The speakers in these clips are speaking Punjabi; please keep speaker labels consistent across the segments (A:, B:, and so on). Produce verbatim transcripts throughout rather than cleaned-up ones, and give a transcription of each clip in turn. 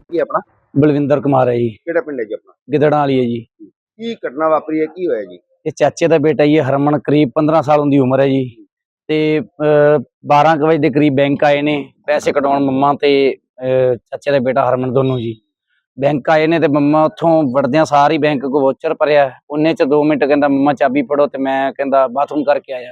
A: ਕੀ ਆਪਣਾ
B: ਬਲਵਿੰਦਰ ਕੁਮਾਰ ਹੈ ਜੀ।
A: ਕਿਹੜਾ ਪਿੰਡ ਹੈ ਜੀ ਆਪਣਾ?
B: ਗਿੱਦੜਾਂ ਵਾਲੀ ਹੈ ਜੀ।
A: ਕੀ ਘਟਨਾ ਵਾਪਰੀ ਹੈ, ਕੀ ਹੋਇਆ ਜੀ?
B: ਇਹ ਚਾਚੇ ਦਾ ਬੇਟਾ ਜੀ, ਹਰਮਨ, ਕਰੀਬ ਪੰਦਰਾਂ ਸਾਲ ਦੀ ਉਮਰ ਹੈ ਜੀ। ਤੇ ਬਾਰਾਂ ਕੁ ਵਜੇ ਦੇ ਕਰੀਬ ਬੈਂਕ ਆਏ ਨੇ ਪੈਸੇ ਕਢਾਉਣ, ਮੰਮਾ ਤੇ ਅਹ, ਚਾਚੇ ਦਾ ਬੇਟਾ ਹਰਮਨ ਦੋਨੋਂ ਜੀ। ਬੈਂਕ ਆਏ ਨੇ ਤੇ ਮੰਮਾ ਉੱਥੋਂ ਵੜਦਿਆਂ ਸਾਰੀ ਬੈਂਕ ਕੋ ਵੋਚਰ ਭਰਿਆ। ਉਹਨੇ ਚ ਦੋ ਮਿੰਟ ਕਹਿੰਦਾ ਮੰਮਾ ਚਾਬੀ ਫੜੋ, ਤੇ ਮੈਂ ਕਹਿੰਦਾ ਬਾਥਰੂਮ ਕਰਕੇ ਆਇਆ।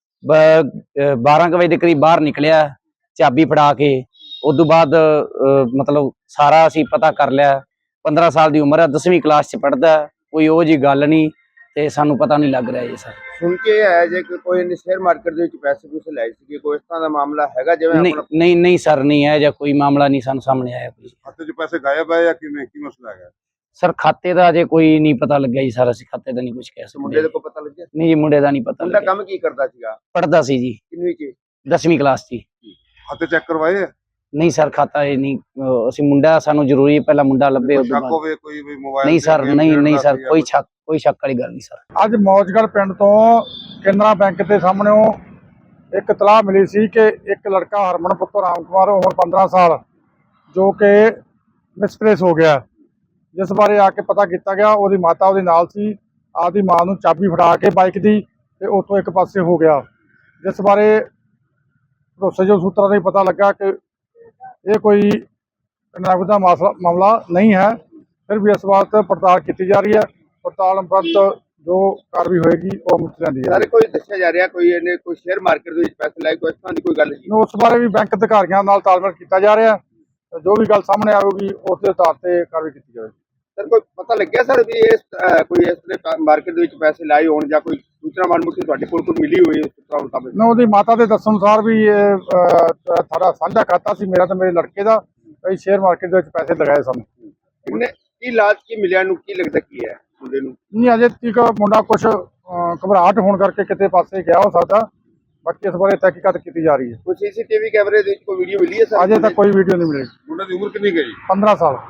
B: ਬਾਰਾਂ ਕੁ ਵਜੇ ਦੇ ਕਰੀਬ ਬਾਹਰ ਨਿਕਲਿਆ ਚਾਬੀ ਫੜਾ ਕੇ। ਉਦੋਂ ਬਾਅਦ ਮਤਲਬ ਸਾਰਾ ਅਸੀਂ ਪਤਾ ਕਰ ਲਿਆ। ਪੰਦਰਾਂ ਸਾਲ ਦੀ ਉਮਰ ਹੈ, ਦਸਵੀਂ ਕਲਾਸ ਚ ਪੜ੍ਹਦਾ। ਕੋਈ ਉਹ ਜੀ ਗੱਲ ਨਹੀਂ ਤੇ ਸਾਨੂੰ ਪਤਾ ਨਹੀਂ ਲੱਗ ਰਿਹਾ ਜੀ ਸਰ।
A: ਸੁਣ ਕੇ ਆਇਆ ਜੇ ਕਿ ਕੋਈ ਨੇ ਸ਼ੇਅਰ ਮਾਰਕੀਟ ਦੇ ਵਿੱਚ ਪੈਸੇ ਪੂਸੇ ਲਾਏ ਸੀ, ਕੋਈ ਇਸ ਤਰ੍ਹਾਂ ਦਾ ਮਾਮਲਾ ਹੈਗਾ? ਜਿਵੇਂ
B: ਨਹੀਂ
A: ਆਪਣਾ
B: ਨਹੀਂ ਨਹੀਂ ਸਰ, ਨਹੀਂ ਹੈ ਜਾਂ ਕੋਈ ਮਾਮਲਾ ਨਹੀਂ ਸਾਨੂੰ ਸਾਹਮਣੇ ਆਇਆ। ਕੋਈ
C: ਖਾਤੇ 'ਚ ਪੈਸੇ ਗਾਇਬ ਹੈ ਜਾਂ ਕਿਵੇਂ, ਕੀ ਮਸਲਾ ਹੈਗਾ
B: ਸਰ? ਖਾਤੇ ਦਾ ਅਜੇ ਕੋਈ ਨਹੀਂ ਪਤਾ ਲੱਗਿਆ ਜੀ ਸਰ। ਅਸੀਂ ਖਾਤੇ ਦਾ ਨਹੀਂ ਕੁਝ ਕਹਿ ਸਕਦੇ।
A: ਮੁੰਡੇ ਦੇ ਕੋ ਪਤਾ ਲੱਗਿਆ?
B: ਨਹੀਂ ਜੀ, ਮੁੰਡੇ ਦਾ ਨਹੀਂ ਪਤਾ
A: ਮੁੰਡਾ
B: ਲੱਗਿਆ।
A: ਕੰਮ ਕੀ ਕਰਦਾ ਸੀਗਾ?
B: ਪੜ੍ਹਦਾ ਸੀ ਜੀ,
A: ਕਿੰਨਵੀਂ ਚ?
B: ਦਸਵੀਂ ਕਲਾਸ ਚ।
C: ਖਾਤੇ ਚੈੱਕ ਕਰਵਾਏ?
B: ਨਹੀਂ ਸਰ, ਖਾਤਾ ਇਹ ਨਹੀਂ। ਅਹ ਅਸੀਂ ਮੁੰਡਾ, ਸਾਨੂੰ ਜ਼ਰੂਰੀ ਹੈ ਪਹਿਲਾਂ ਮੁੰਡਾ ਲੱਭੇ ਉਸ ਤੋਂ
C: ਸ਼ੱਕ
B: ਬਾਅਦ।
C: ਹੋਵੇ ਕੋਈ ਵੀ ਮੋਬਾਈਲ
B: ਨਹੀਂ ਸਰ, ਨਹੀਂ ਨਹੀਂ ਸਰ, ਕੋਈ ਸ਼ੱਕ ਕੋਈ ਸ਼ੱਕ ਵਾਲੀ ਗੱਲ ਨਹੀਂ ਸਰ।
D: ਅੱਜ ਮੌਜਗੜ੍ਹ ਪਿੰਡ ਤੋਂ ਕੇਨਰਾ ਬੈਂਕ ਦੇ ਸਾਹਮਣੇੋਂ ਇੱਕ ਇਤਲਾਹ ਮਿਲੀ ਸੀ ਕਿ ਇੱਕ ਲੜਕਾ ਹਰਮਨ ਪੁੱਤਰ ਰਾਮ ਕੁਮਾਰ, ਉਮਰ ਪੰਦਰਾਂ ਸਾਲ, ਜੋ ਕਿ ਮਿਸਪਲੇਸ ਹੋ ਗਿਆ, ਜਿਸ ਬਾਰੇ ਆ ਕੇ ਪਤਾ ਕੀਤਾ ਗਿਆ। ਉਹਦੀ ਮਾਤਾ ਉਹਦੇ ਨਾਲ ਸੀ। ਆਪਦੀ ਮਾਂ ਨੂੰ ਚਾਬੀ ਫੜਾ ਕੇ ਬਾਈਕ ਦੀ ਤੇ ਉੱਥੋਂ ਇੱਕ ਪਾਸੇ ਹੋ ਗਿਆ, ਜਿਸ ਬਾਰੇ ਭਰੋਸੇਯੋਗ ਸੂਤਰਾਂ ਤੋਂ ਪਤਾ ਲੱਗਾ ਕਿ ਇਹ ਕੋਈ ਨਗਦ ਦਾ ਮਸਲਾ ਮਾਮਲਾ ਨਹੀਂ ਹੈ। ਫਿਰ ਵੀ ਇਸ ਬਾਤ ਪੜਤਾਲ ਕੀਤੀ ਜਾ ਰਹੀ ਹੈ। ਪੜਤਾਲ ਉਪਰੰਤ ਜੋ ਕਾਰਵਾਈ ਹੋਏਗੀ ਉਹ ਮੁੱਕ ਜਾਂਦੀ ਹੈ।
A: ਸਾਰੇ ਕੋਈ ਦੱਸਿਆ ਜਾ ਰਿਹਾ ਕੋਈ ਇਹਨੇ ਕੋਈ ਸ਼ੇਅਰ ਮਾਰਕੀਟ ਦੇ ਵਿੱਚ ਪੈਸੇ ਲਾਏ, ਕੋਈ ਇਸ ਤਰ੍ਹਾਂ ਦੀ ਕੋਈ ਗੱਲ ਨਹੀਂ?
D: ਉਸ ਬਾਰੇ ਵੀ ਬੈਂਕ ਅਧਿਕਾਰੀਆਂ ਨਾਲ ਤਾਲਮੇਲ ਕੀਤਾ ਜਾ ਰਿਹਾ। ਜੋ ਵੀ ਗੱਲ ਸਾਹਮਣੇ ਆਵੇਗੀ ਉਸ ਦੇ ਆਧਾਰ ਤੇ ਕਾਰਵਾਈ ਕੀਤੀ ਜਾਵੇਗੀ।
A: ਸਰ ਕੋਈ ਪਤਾ ਲੱਗਿਆ ਸਰ ਵੀ ਇਸ ਕੋਈ ਇਸ ਤਰ੍ਹਾਂ ਮਾਰਕੀਟ ਦੇ ਵਿੱਚ ਪੈਸੇ ਲਾਏ ਹੋਣ ਜਾਂ ਕੋਈ ਸੂਚਨਾ ਮਾਲੂਮਾਤ ਤੁਹਾਡੇ ਕੋਲ ਕੋਈ ਮਿਲੀ ਹੋਈ ਉਸ ਤਰ੍ਹਾਂ ਮੁਤਾਬਕ?
D: ਨਾ, ਉਹਦੀ ਮਾਤਾ ਦੇ ਦੱਸਣ ਅਨੁਸਾਰ ਵੀ ਇਹ ਸਾਡਾ ਸਾਂਝਾ ਖਾਤਾ ਸੀ, ਮੇਰਾ ਤੇ ਮੇਰੇ ਲੜਕੇ ਦਾ। ਅਸੀਂ ਸ਼ੇਅਰ ਮਾਰਕੀਟ ਦੇ ਵਿੱਚ ਪੈਸੇ ਲਗਾਏ ਸਨ।
A: ਉਹਨੇ ਕੀ ਲਾਜ ਕੀ ਮਿਲਿਆ ਨੂੰ, ਕੀ ਲੱਗਦਾ ਕੀ ਹੈ ਮੁੰਡੇ ਨੂੰ?
D: ਨਹੀਂ, ਅਜੇ ਤੱਕ ਮੁੰਡਾ ਕੁਝ ਘਬਰਾਹਟ ਹੋਣ ਕਰਕੇ ਕਿਤੇ ਪਾਸੇ ਗਿਆ ਹੋ ਸਕਦਾ। ਬਾਕੀ ਇਸ ਬਾਰੇ ਤਹਿਕੀਕਾਤ ਕੀਤੀ ਜਾ ਰਹੀ ਹੈ।
A: ਕੋਈ ਸੀਸੀਟੀਵੀ ਕੈਮਰੇ ਦੇ ਵਿੱਚ ਕੋਈ ਵੀਡੀਓ ਮਿਲੀ ਹੈ ਸਰ?
D: ਅਜੇ ਤੱਕ ਕੋਈ ਵੀਡੀਓ ਨਹੀਂ ਮਿਲੀ।
C: ਮੁੰਡੇ ਦੀ ਉਮਰ ਕਿੰਨੀ ਗਈ?
D: ਪੰਦਰਾਂ ਸਾਲ।